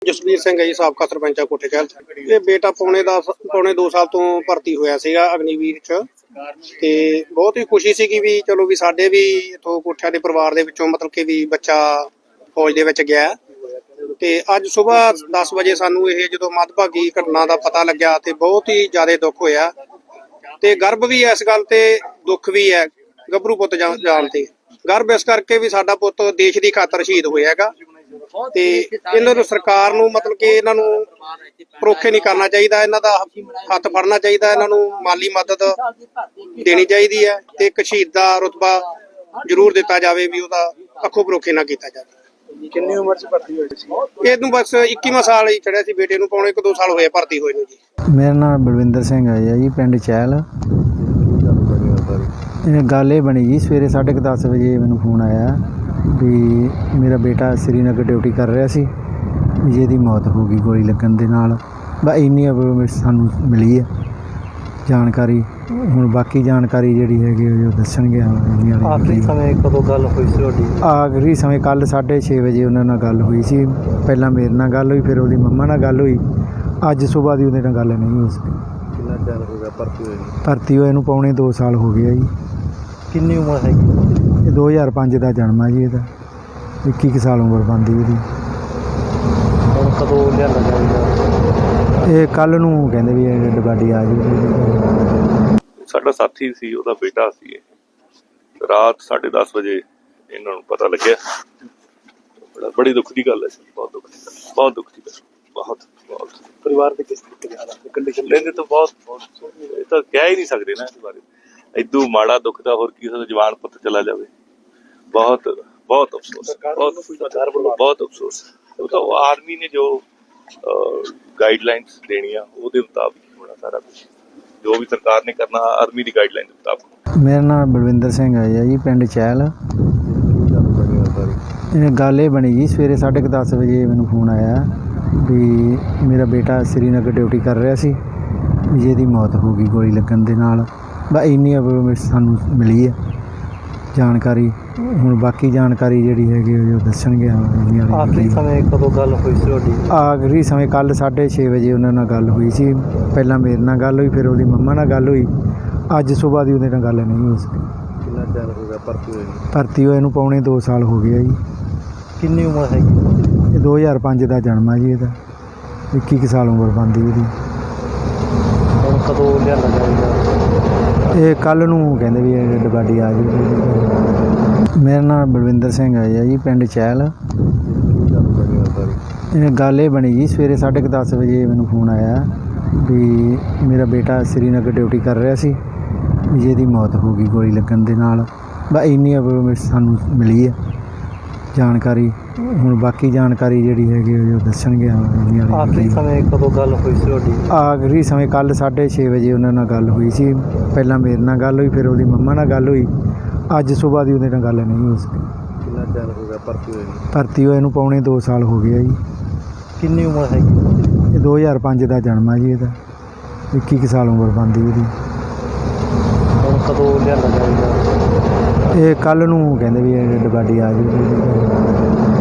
ਜਸਵੀਰ ਸਿੰਘ ਹੈ ਜੀ, ਸਾਬਕਾ ਸਰਪੰਚ ਆ ਕੋਠੇ ਕਹਿਲ। ਇਹ ਬੇਟਾ ਪੌਣੇ 2 ਸਾਲ ਤੋਂ ਭਰਤੀ ਹੋਇਆ ਸੀਗਾ ਅਗਨੀਵੀਰ ਚ, ਤੇ ਬਹੁਤ ਹੀ ਖੁਸ਼ੀ ਸੀਗੀ ਵੀ ਚਲੋ ਵੀ ਸਾਡੇ ਵੀ ਇਥੋਂ ਕੋਠਿਆਂ ਦੇ ਪਰਿਵਾਰ ਦੇ ਵਿੱਚੋਂ ਮਤਲਬ ਕਿ ਵੀ ਬੱਚਾ ਫੌਜ ਦੇ ਵਿੱਚ ਗਿਆ। ਤੇ ਅੱਜ ਸਵੇਰ 10 ਵਜੇ ਸਾਨੂੰ ਇਹ ਜਦੋਂ ਮੰਦਭਾਗੀ ਘਟਨਾ ਦਾ ਪਤਾ ਲੱਗਿਆ ਤੇ ਬਹੁਤ ਹੀ ਜ਼ਿਆਦਾ ਦੁੱਖ ਹੋਇਆ ਤੇ ਗਰਵ ਵੀ ਇਸ ਗੱਲ ਤੇ ਦੁੱਖ ਵੀ ਹੈ ਗੱਭਰੂ ਪੁੱਤ ਜਾਣ ਤੇ। ਗਰਵ ਇਸ ਕਰਕੇ ਵੀ ਸਾਡਾ ਪੁੱਤ ਦੇਸ਼ ਦੀ ਖਾਤਰ ਸ਼ਹੀਦ ਹੋਇਆ ਹੈਗਾ ਤੇ ਇਹਨਾਂ ਨੂੰ ਸਰਕਾਰ ਨੂੰ ਮਤਲਬ ਕਿ ਇਹਨਾਂ ਨੂੰ ਪਰੋਖੇ ਨਹੀਂ ਕਰਨਾ ਚਾਹੀਦਾ, ਇਹਨਾਂ ਦਾ ਹੱਥ ਫੜਨਾ ਚਾਹੀਦਾ, ਇਹਨਾਂ ਨੂੰ ਮਾਲੀ ਮਦਦ ਦੇਣੀ ਚਾਹੀਦੀ ਹੈ ਤੇ ਇੱਕ ਸ਼ਹੀਦ ਦਾ ਰੁਤਬਾ ਜ਼ਰੂਰ ਦਿੱਤਾ ਜਾਵੇ ਵੀ ਉਹਦਾ ਅੱਖੋਂ ਪਰੋਖੇ ਨਾ ਕੀਤਾ ਜਾਵੇ। ਕਿੰਨੀ ਉਮਰ 'ਚ ਭਰਤੀ ਹੋਏ ਸੀ? ਇਹਨੂੰ ਬਸ 21ਵਾਂ ਸਾਲ ਹੀ ਚੜਿਆ ਸੀ, ਬੇਟੇ ਨੂੰ ਪੌਣੇ 2 ਸਾਲ ਹੋਏ ਭਰਤੀ ਹੋਏ ਨੂੰ ਜੀ। ਮੇਰਾ ਨਾਮ ਬਲਵਿੰਦਰ ਸਿੰਘ ਹੈ ਜੀ, ਪਿੰਡ ਚਹਿਲ। ਇਹ ਗੱਲ ਇਹ ਬਣੀ ਜੀ, ਸਵੇਰੇ 10:30 ਵਜੇ ਮੈਨੂੰ ਫੋਨ ਆਇਆ ਵੀ ਮੇਰਾ ਬੇਟਾ ਸ਼੍ਰੀਨਗਰ ਡਿਊਟੀ ਕਰ ਰਿਹਾ ਸੀ ਵੀ ਜਿਹਦੀ ਮੌਤ ਹੋ ਗਈ ਗੋਲੀ ਲੱਗਣ ਦੇ ਨਾਲ। ਬਸ ਇੰਨੀ ਸਾਨੂੰ ਮਿਲੀ ਹੈ ਜਾਣਕਾਰੀ। ਹੁਣ ਬਾਕੀ ਜਾਣਕਾਰੀ ਜਿਹੜੀ ਹੈਗੀ ਉਹ ਦੱਸਣਗੇ। ਆਖਰੀ ਸਮੇਂ ਕਦੋਂ ਗੱਲ ਹੋਈ ਸੀ ਤੁਹਾਡੀ? ਆਖਰੀ ਸਮੇਂ ਕੱਲ੍ਹ 6:30 ਵਜੇ ਉਹਨਾਂ ਨਾਲ ਗੱਲ ਹੋਈ ਸੀ। ਪਹਿਲਾਂ ਮੇਰੇ ਨਾਲ ਗੱਲ ਹੋਈ, ਫਿਰ ਉਹਦੀ ਮੰਮਾ ਨਾਲ ਗੱਲ ਹੋਈ। ਅੱਜ ਸੁਬਾਹ ਦੀ ਉਹਦੇ ਨਾਲ ਗੱਲ ਨਹੀਂ ਹੋ ਸਕੀ। ਕਿੰਨਾ ਚਿਰ ਹੋ ਗਿਆ ਭਰਤੀ ਹੋਏ ਨੂੰ? ਭਰਤੀ ਹੋਏ ਨੂੰ ਪੌਣੇ 2 ਸਾਲ ਹੋ ਗਏ ਜੀ। ਕਿੰਨੀ ਉਮਰ ਹੈਗੀ? ਇਹ 2005 ਦਾ ਜਨਮ ਹੈ ਜੀ ਇਹਦਾ। 21 ਸਾਲ ਉਮਰ ਬਣਦੀ ਇਹਦੀ। ਹੁਣ ਕਦੋਂ ਲਿਆਂਦਾ ਜਾਊਗਾ? ਇਹ ਕੱਲ੍ਹ ਨੂੰ ਕਹਿੰਦੇ ਵੀ ਇਹ ਡੱਬਾਡੀ ਆ ਜਾਊਗੀ। ਸਾਡਾ ਸਾਥੀ ਸੀ, ਉਹਦਾ ਬੇਟਾ ਸੀ। ਰਾਤ 10:30 ਵਜੇ ਇਹਨਾਂ ਨੂੰ ਪਤਾ ਲੱਗਿਆ। ਬੜੀ ਦੁੱਖ ਦੀ ਗੱਲ ਹੈ, ਬਹੁਤ ਦੁੱਖ ਦੀ ਗੱਲ, ਬਹੁਤ ਦੁੱਖ ਦੀ ਗੱਲ, ਬਹੁਤ ਪਰਿਵਾਰ ਦੇ ਕਿਸ ਤਰੀਕੇ ਦੇ ਹਾਲਾਤ ਕੰਡੀਸ਼ਨ ਲੈਂਦੇ ਤਾਂ ਬਹੁਤ ਇਹ ਤਾਂ ਕਹਿ ਹੀ ਨਹੀਂ ਸਕਦੇ ਨਾ ਇਸ ਬਾਰੇ। ਇਦੋਂ ਮਾੜਾ ਦੁੱਖ ਦਾ ਹੋਰ ਕੀ ਹੋ ਸਕਦਾ? ਜਵਾਨ ਪੁੱਤ ਚਲਾ ਜਾਵੇ। ਬਹੁਤ ਬਹੁਤ ਅਫਸੋਸ, ਬਹੁਤ ਅਫਸੋਸ। ਉਹ ਤਾਂ ਆਰਮੀ ਨੇ ਜੋ ਗਾਈਡਲਾਈਨਸ ਦੇਣੀਆਂ ਉਹਦੇ ਮੁਤਾਬਿਕ ਹੋਣਾ ਸਾਰਾ ਕੁਝ। ਜੋ ਵੀ ਸਰਕਾਰ ਨੇ ਕਰਨਾ ਆਰਮੀ ਦੀ ਗਾਈਡਲਾਈਨ ਦੇ ਮੁਤਾਬਿਕ। ਮੇਰਾ ਨਾਮ ਬਲਵਿੰਦਰ ਸਿੰਘ ਹੈ ਜੀ, ਪਿੰਡ ਚਹਿਲ। ਇਹ ਗੱਲ ਇਹ ਬਣੀ ਜੀ, ਸਵੇਰੇ 10:30 ਵਜੇ ਮੈਨੂੰ ਫੋਨ ਆਇਆ ਵੀ ਮੇਰਾ ਬੇਟਾ ਸ਼੍ਰੀਨਗਰ ਡਿਊਟੀ ਕਰ ਰਿਹਾ ਸੀ ਵੀ ਜਿਹਦੀ ਮੌਤ ਹੋ ਗਈ ਗੋਲੀ ਲੱਗਣ ਦੇ ਨਾਲ। ਬਸ ਇੰਨੀ ਸਾਨੂੰ ਮਿਲੀ ਹੈ ਜਾਣਕਾਰੀ। ਹੁਣ ਬਾਕੀ ਜਾਣਕਾਰੀ ਜਿਹੜੀ ਹੈਗੀ ਉਹ ਦੱਸਣਗੇ। ਆਖਰੀ ਸਮੇਂ ਕਦੋਂ ਗੱਲ ਹੋਈ ਸੀ ਤੁਹਾਡੀ? ਆਖਰੀ ਸਮੇਂ ਕੱਲ੍ਹ 6:30 ਵਜੇ ਉਹਨਾਂ ਨਾਲ ਗੱਲ ਹੋਈ ਸੀ। ਪਹਿਲਾਂ ਮੇਰੇ ਨਾਲ ਗੱਲ ਹੋਈ, ਫਿਰ ਉਹਦੀ ਮੰਮਾ ਨਾਲ ਗੱਲ ਹੋਈ। ਅੱਜ ਸੁਬਾਹ ਦੀ ਉਹਦੇ ਨਾਲ ਗੱਲ ਨਹੀਂ ਹੋ ਸਕੀ। ਕਿੰਨਾ ਚਿਰ ਹੋ ਗਿਆ ਭਰਤੀ ਹੋਏ ਨੂੰ? ਭਰਤੀ ਹੋਏ ਨੂੰ ਪੌਣੇ 2 ਸਾਲ ਹੋ ਗਏ ਜੀ। ਕਿੰਨੀ ਉਮਰ ਹੈਗੀ? ਇਹ 2005 ਦਾ ਜਨਮ ਹੈ ਜੀ ਇਹਦਾ। 21 ਸਾਲ ਉਮਰ ਬਣਦੀ ਇਹਦੀ। ਹੁਣ ਕਦੋਂ ਲਿਆਂਦਾ ਜਾਊਗਾ? ਇਹ ਕੱਲ੍ਹ ਨੂੰ ਕਹਿੰਦੇ ਵੀ ਇਹ ਡੱਬਾਡੀ ਆ ਜਾਊਗੀ। ਮੇਰਾ ਨਾਮ ਬਲਵਿੰਦਰ ਸਿੰਘ ਹੈ ਜੀ, ਪਿੰਡ ਚਹਿਲ। ਇਹ ਗੱਲ ਇਹ ਬਣੀ ਜੀ, ਸਵੇਰੇ 10:30 ਵਜੇ ਮੈਨੂੰ ਫੋਨ ਆਇਆ ਵੀ ਮੇਰਾ ਬੇਟਾ ਸ਼੍ਰੀਨਗਰ ਡਿਊਟੀ ਕਰ ਰਿਹਾ ਸੀ ਵੀ ਜਿਹਦੀ ਮੌਤ ਹੋ ਗਈ ਗੋਲੀ ਲੱਗਣ ਦੇ ਨਾਲ। ਬਸ ਇੰਨੀ ਸਾਨੂੰ ਮਿਲੀ ਹੈ ਜਾਣਕਾਰੀ। ਹੁਣ ਬਾਕੀ ਜਾਣਕਾਰੀ ਜਿਹੜੀ ਹੈਗੀ ਉਹ ਦੱਸਣਗੇ। ਆਖਰੀ ਸਮੇਂ ਕਦੋਂ ਗੱਲ ਹੋਈ ਸੀ ਤੁਹਾਡੀ? ਆਖਰੀ ਸਮੇਂ ਕੱਲ੍ਹ 6:30 ਵਜੇ ਉਹਨਾਂ ਨਾਲ ਗੱਲ ਹੋਈ ਸੀ। ਪਹਿਲਾਂ ਮੇਰੇ ਨਾਲ ਗੱਲ ਹੋਈ, ਫਿਰ ਉਹਦੀ ਮੰਮਾ ਨਾਲ ਗੱਲ ਹੋਈ। ਅੱਜ ਸੁਬਾਹ ਦੀ ਉਹਦੇ ਨਾਲ ਗੱਲ ਨਹੀਂ ਹੋ ਸਕੀ। ਕਿੰਨਾ ਚਿਰ ਹੋ ਗਿਆ ਭਰਤੀ ਹੋਏ ਨੂੰ? ਭਰਤੀ ਹੋਏ ਨੂੰ ਪੌਣੇ 2 ਸਾਲ ਹੋ ਗਏ ਜੀ। ਕਿੰਨੀ ਉਮਰ ਹੈਗੀ? ਇਹ 2005 ਦਾ ਜਨਮ ਹੈ ਜੀ ਇਹਦਾ। 21 ਸਾਲ ਉਮਰ ਬਣਦੀ ਇਹਦੀ। ਹੁਣ ਕਦੋਂ ਲਿਆਂਦਾ ਜਾਊਗਾ? ਇਹ ਕੱਲ੍ਹ ਨੂੰ ਕਹਿੰਦੇ ਵੀ ਇਹ ਡੱਬਾਡੀ ਆ ਜਾਊਗੀ।